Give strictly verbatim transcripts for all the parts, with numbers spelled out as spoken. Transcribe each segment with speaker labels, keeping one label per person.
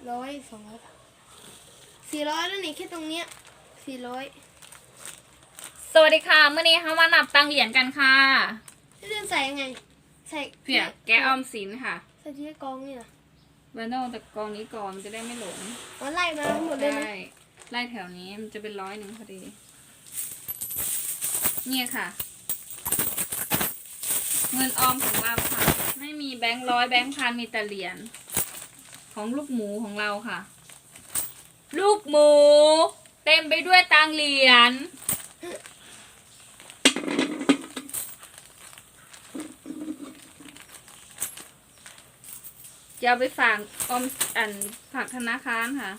Speaker 1: ร้อยสองร้อยสี่ร้อยแล้วนี่แค่ตรงเนี้ยสี่ร้อย
Speaker 2: สวัสดีค่ะเมื่อนี้ค่ะมานับตังเหรียญกันค่ะ
Speaker 1: ที่เดินใส่ยังไงใส่
Speaker 2: เผื่อแกะออมสินค่ะ
Speaker 1: ใส่ที่กองนี่นะ
Speaker 2: เบอร์โน่แต่กองนี้ก่อนจะได้ไม่หลง
Speaker 1: อ๋อไล่มาทั้งหมดเลยนะ
Speaker 2: ไล่ไล่แถวนี้มันจะเป็นร้อยหนึ่งพอดีเนี่ยค่ะเงินออมของเราค่ะไม่มีแบงค์ร้อยแบงค์พันมีแต่เหรียญของลูกหมูของเราค่ะลูกหมูเต็มไปด้วยตังเหรียญจะเอาไปฝากออมอันฝากธนาคารค่ะ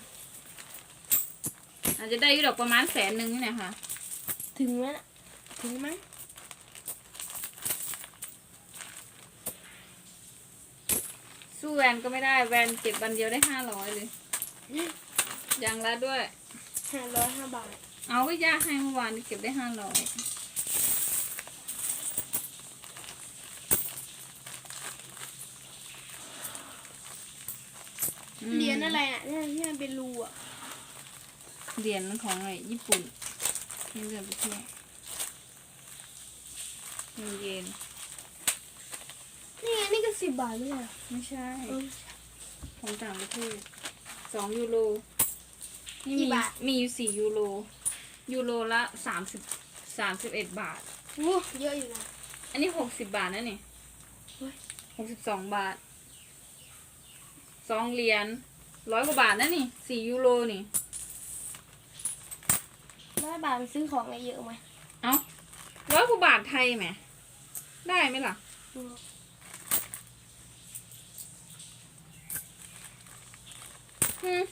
Speaker 2: อาจจะได้อยู่ดอกประมาณแสนหนึ่งนี่แหละค่ะ
Speaker 1: ถึงไหมถึงไหม
Speaker 2: สู้แวนก็ไม่ได้แวนเก็บวันเดียวได้ห้าร้อยเลยยังละด้วย
Speaker 1: ห้าร้อยห้าบาท
Speaker 2: เอาก็ยากให้เมื่อวานเก็บได้ห้าร้อย
Speaker 1: เหรียญอะไรอ่ะที่มันเป็นรูอ่ะ
Speaker 2: เหรียญของอะไรญี่ปุ่นที่เดินไปเที่ยวเงินเยน
Speaker 1: นี่ไงนี่ก็สิบบาทไม่ใช่
Speaker 2: ไม่ใช่ของต่างประเทศสองยูโรนี่มีมีอยู่สี่ยูโรยูโรละสามสิบสามสิบเอ็ดบาท
Speaker 1: โอ้เยอะอยู่นะ
Speaker 2: อันนี้หกสิบบาทนะนี่หกสิบสองบาทสองเหรียญร้อยกว่าบาทนะนี่สี่ยูโรนี่
Speaker 1: ร้อยบาทมันซื้อของอะไรเยอะไหม
Speaker 2: เอ้าร้อยกว่าบาทไทยไหมได้ไหมล่ะอืม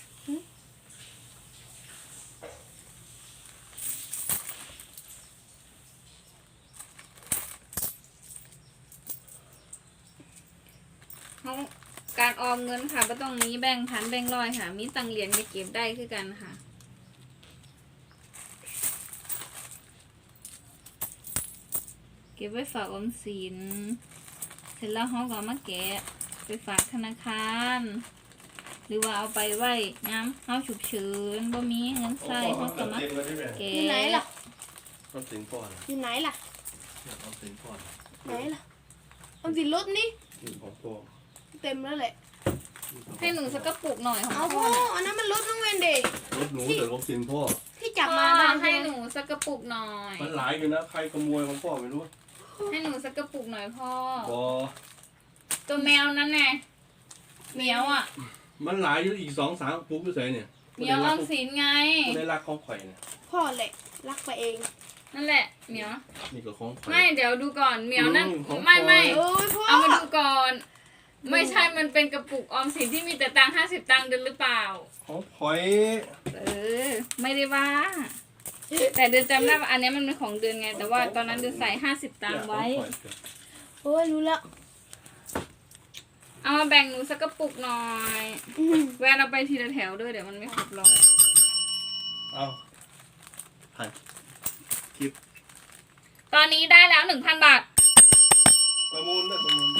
Speaker 2: การออมเงินค่ะก็ต้องมีแบ่งพันแบ่งร้อยค่ะมีตังเหรียญไปเก็บได้คือกันค่ะเก็บไว้ฝากออมสินเสร็จแล้วเขาก็มาแกะไปฝากธนาคารหรือว่าเอาไปไว้ย้ำเขาฉุกเฉินบ่มีเงินใส่เขาก็มาแกะ
Speaker 1: อยู่ไหนล่ะ
Speaker 3: ออมสินก่อน
Speaker 1: อยู่ไหนล่ะ
Speaker 3: ออมสินก่อน
Speaker 1: ไหนล่ะออมสินรถนี่
Speaker 3: ของพ่อ
Speaker 1: เต็มแล้วแหละ
Speaker 2: ให้หนูสักกระปุกหน่อยของ
Speaker 1: เอาพ่ออันนั้นมันรถน้องเวนเด็ก
Speaker 3: รถหนูแต่ออมสินพ่อ
Speaker 1: ที่จับมา
Speaker 2: ให้หนูสักกระปุกหน่อย
Speaker 3: มันหลายอยู่นะใครขโมยของพ่อไม่รู้
Speaker 2: ให้หนูสักกระปุกหน่อยพ่อ
Speaker 3: พอ
Speaker 2: ตัวแมวนั้นไงเหมียวอ่ะ
Speaker 3: มันหลายอยู่อีกสองสามปุ๊บอยู่ใส่เนี่ย
Speaker 2: เหมียวออมสินไง
Speaker 3: ได้รักของข่อยเนี่ย
Speaker 1: พ่อแหละรักไปเอง
Speaker 2: นั่นแหละเหมียว
Speaker 3: นี่ก็ของ
Speaker 2: ไม่เดี๋ยวดูก่อนเหมียวนั่นไม่ไม่เอามาดูก่อนไม่ใช่มันเป็นกระปุกออมสินที่มีแต่ตังค์ห้าสิบตังค์เดินหรือเปล่า
Speaker 3: ของข่อย
Speaker 2: เออไม่ได้ว่าแต่เดือนจำได้ว่าอันนี้มันเป็นของเดือนไงแต่ว่าตอนนั้นเดือนใส่ห้าสิบตังค์ไว้
Speaker 1: โอ้ยรู้แล้ว
Speaker 2: เอามาแบ่งหนูสักกระปุกหน่อยแวนเอาไปทีละแถวด้วยเดี๋ยวมันไม่ครบร้อย
Speaker 3: เอาถ่ายคลิป
Speaker 2: ตอนนี้ได้แล้วหนึ่งพันบาท
Speaker 3: ประมูลได้ประมูล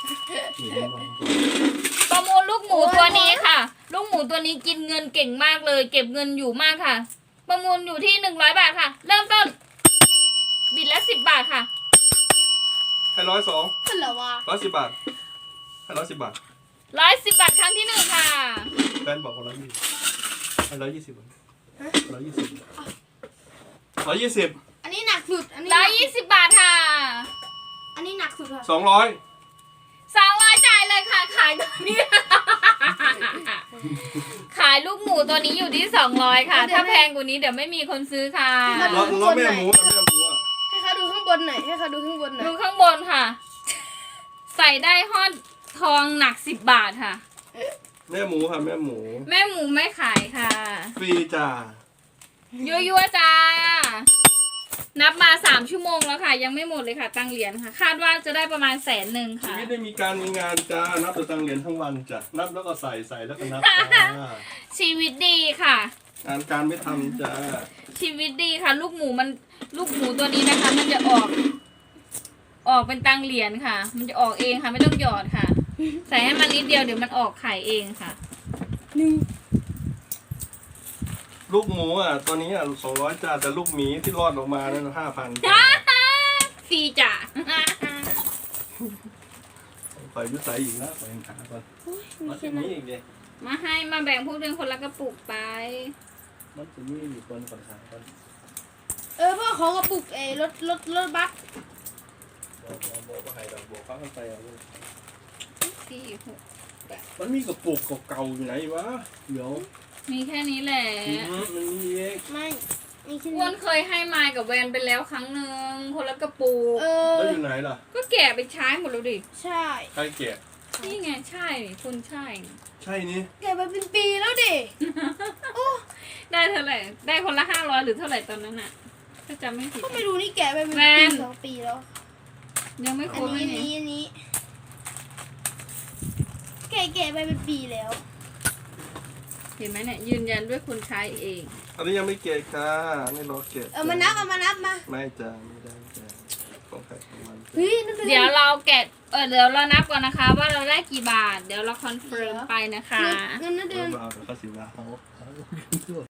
Speaker 2: ประมูลลูกหมูตัวนี้ค่ะลูกหมูตัวนี้กินเงินเก่งมากเลยเก็บเงินอยู่มากค่ะประมูลอยู่ที่หนึ่งร้อยบาทค่ะเริ่มต้นบิดละสิบบาทค่ะ
Speaker 3: ให้ร้อยสอง
Speaker 1: เป็นเหรอวะ
Speaker 3: ร้อยสิบบาทให้ร้อยสิบบาท
Speaker 2: ร้อยสิบบาทครั้งที่หนึ่งค่ะ
Speaker 3: แฟนบอกว่าร้อยยี่สิบให้ร้อยยี่สิบร้อยยี่สิบร้อยยี่สิบ
Speaker 1: อันนี้หนักสุดอันนี้
Speaker 2: ร้อยยี่สิบบาทค่ะ
Speaker 1: อันนี้หนักสุดค่ะ
Speaker 3: สองร้อย
Speaker 2: สองร้อยจ่ายเลยค่ะขายตัวนี้ขายลูกหมูตัวนี้อยู่ที่สองร้อยค่ะถ้าแพงกว่านี้เดี๋ยวไม่มีคนซื้อค่ะ
Speaker 3: เราเราแม่หมูแม่หมูอ่ะ
Speaker 1: ให้เขาดูข้างบนหน่อยให้เขาดูข้างบนหน่อย
Speaker 2: ดูข้างบนค่ะใส่ได้ฮอดทองหนักสิบบาทค่ะ
Speaker 3: แม่หมูค่ะแม่หมู
Speaker 2: แม่หมูไม่ขายค่ะ
Speaker 3: ฟรีจ้า
Speaker 2: ยั่วๆจ้านับมาสามชั่วโมงแล้วค่ะยังไม่หมดเลยค่ะตังเหรียญค่ะคาดว่าจะได้ประมาณแสนหนึ่งค่ะ
Speaker 3: ชีวิตได้มีการมีงานจ้านับแต่ตังเหรียญทั้งวันจ้ะนับแล้วก็ใส่ใส่แล้วก็นับจ้า
Speaker 2: ชีวิตดีค่ะ
Speaker 3: งานการไม่ทำจ้า
Speaker 2: ชีวิตดีค่ะลูกหมูมันลูกหมูตัวนี้นะคะมันจะออกออกเป็นตังเหรียญค่ะมันจะออกเองค่ะไม่ต้องหยอดค่ะใส่ให้มันนิดเดียวเดี๋ยวมันออกไข่เองค่ะ
Speaker 1: หนึ่ง
Speaker 3: ลูกหมูอ่ะตัวนี้อ่ะสองร้อยจ้าแต่ลูกหมีที่รอดออกมานั่นห้าพัน
Speaker 2: ฟรีจ้ะ
Speaker 3: ปล่อยยุสัยอีกแล้วปล่อยขาก่อน
Speaker 1: โอ้ยมี
Speaker 3: มัน
Speaker 1: แค่
Speaker 3: จะ
Speaker 1: นั้
Speaker 3: มี
Speaker 1: น
Speaker 3: อีกเลย
Speaker 2: มาให้มาแบ่งพวกเดือนคนละกระปุกไป
Speaker 3: มันจะมีอีกคนก่อนขาก่อน
Speaker 1: เออพ่อขอกระปุกเอรถรถรถบัส
Speaker 3: บอกบอกบอกว่าให้ดอกบอกเขาไปเอาเลย
Speaker 2: สี่หก
Speaker 3: มันมีกระปุกเก่าๆอยู่ไหนวะเดี๋ยว
Speaker 2: มีแค่นี้แหละ
Speaker 3: อืมมันมีเอง
Speaker 1: ไม่มีแค่
Speaker 2: อ้ว
Speaker 1: นี้
Speaker 2: นเคยให้มายกับแวนไปแล้วครั้งหนึ่งคนละกระปุก
Speaker 1: เออ
Speaker 3: แล้วอยู่ไหนล่ะ
Speaker 2: ก็แกะไปใช้หมดแล้วดิ
Speaker 1: ใช่
Speaker 3: ใครแกะ
Speaker 2: นี่ไงใช่นี่คุณใช่
Speaker 3: ใช่นี่
Speaker 1: แกะไปเป็นปีแล้วดิโอ้
Speaker 2: ได้เท่าไหร่ ได้คนละห้าร้อยหรือเท่าไหร่ตอนนั้นอะถ้าจำไม่ผิด
Speaker 1: ก็ไม่รู้นี่แกะไปเป็น
Speaker 2: แม
Speaker 1: ปี
Speaker 2: น
Speaker 1: สองปีแล้ว
Speaker 2: ยังไม่ค
Speaker 1: อั
Speaker 2: ร
Speaker 1: น
Speaker 2: บเล
Speaker 1: นี้
Speaker 2: ย
Speaker 1: อัน
Speaker 2: นี่
Speaker 1: นี้อันนี้แกะแกะไปเป็นปีแล้ว
Speaker 2: เห็นไหมเนี่ยยืนยันด้วยคุณใช้เอง
Speaker 3: อันนี้ยังไม่แกะค่ะไม่รอแกะ
Speaker 1: เอามานับเอามานับมา
Speaker 3: ไม่จ้าไม่ได้จ้าของใครของมัน
Speaker 1: เฮ้ยนั่นเป็น
Speaker 2: เดี๋ยวเราแกะเออเดี๋ยวเรานับก่อนนะคะ ว่าเราได้กี่บาท เดี๋ยวเราคอนเฟิร์มไปนะคะ
Speaker 1: เงินนั่นเดือน
Speaker 3: เบาๆเดี๋ยวเขาสิว่าเขา